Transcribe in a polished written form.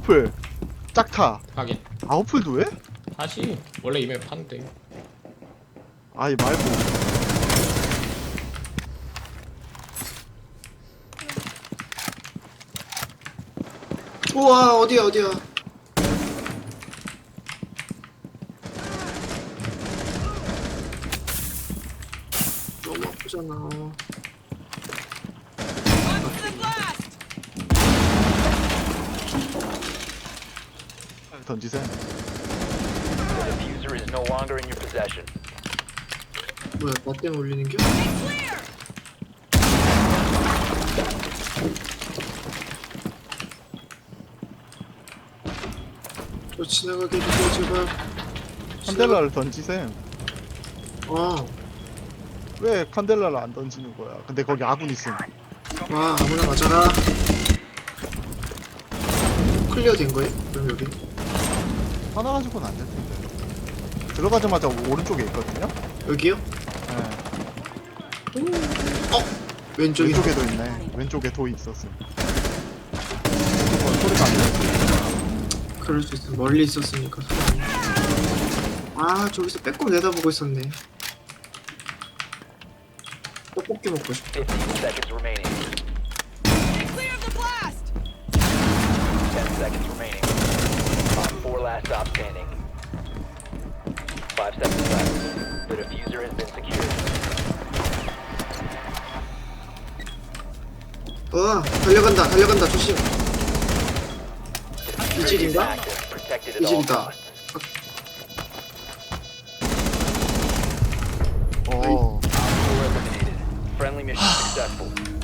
아웃풀 짝타. 하긴 아웃풀도 해? 다시 원래 이맵 판대. 아이 말고. 우와 어디야 어디야. 너무 아프잖아. 던지세요. The diffuser is no longer in your possession. 뭐야 나 때문에 올리는겨? 저 지나가게 해주세요 제발. 칸델라를 던지세요. 아, 왜 칸델라를 안 던지는 거야? 근데 거기 아군 있음. 와 아무나 맞아라. 클리어 된 거예요? 그럼 여기? 하나 가지고는 안 될 텐데. 들어가자마자 오른쪽에 있거든요. 여기요? 네. 왼쪽이. 왼쪽에도 있네. 왼쪽에 도이 있었음. 소리가 안 들렸어. 그럴 수 있어. 멀리 있었으니까. 아 저기서 빼꼼 내다보고 있었네. 떡볶이 먹고 싶어. 15 seconds remaining. Clear of the blast! 10 seconds remaining. On 4 last stop standing. 5 seconds left. The diffuser has been secured. 달려간다 달려간다 조심. Diffuser is 이질인가? active, protected at all 이질이다. costs. 어. Op 4 eliminated. Friendly mission successful.